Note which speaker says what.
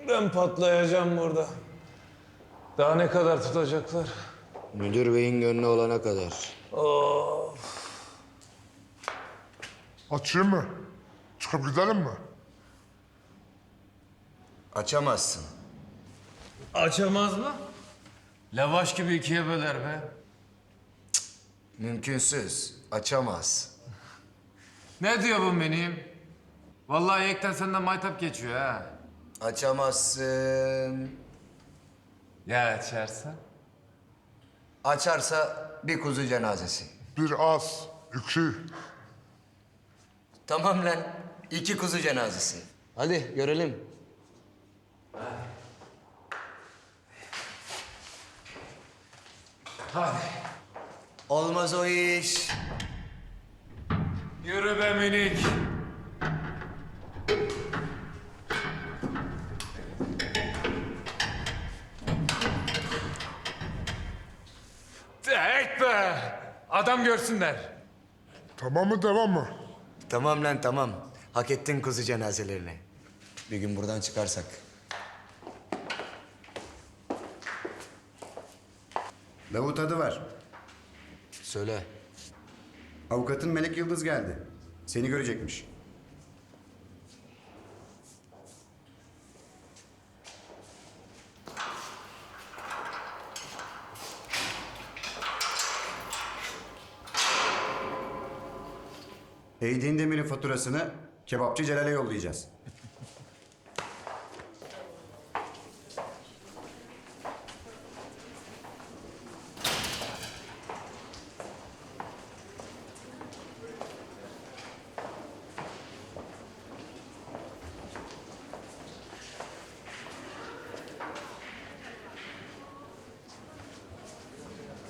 Speaker 1: Ben patlayacağım burada. Daha ne kadar tutacaklar?
Speaker 2: Müdür beyin gönlü olana kadar.
Speaker 1: Of.
Speaker 3: Açayım mı? Çıkıp gidelim mi?
Speaker 2: Açamazsın.
Speaker 1: Açamaz mı? Lavaş gibi ikiye böler be.
Speaker 2: Mümkünsüz. Açamaz.
Speaker 1: Ne diyor bu benim? Vallahi yekten senden maytap geçiyor ha.
Speaker 2: Açamazsın.
Speaker 1: Ya açarsa?
Speaker 2: Açarsa bir kuzu cenazesi.
Speaker 3: Bir az, iki.
Speaker 2: Tamam lan. 2 kuzu cenazesi. Hadi görelim.
Speaker 1: Hadi.
Speaker 2: Olmaz o iş.
Speaker 1: Yürü be minik. Et be! Adam görsünler.
Speaker 3: Tamam mı, devam mı?
Speaker 2: Tamam lan tamam. Hak ettin kuzu cenazelerini. Bir gün buradan çıkarsak.
Speaker 4: Davut adı var.
Speaker 2: Söyle.
Speaker 4: Avukatın Melek Yıldız geldi. Seni görecekmiş. Heydin Demir'in faturasını kebapçı Celal'e yollayacağız.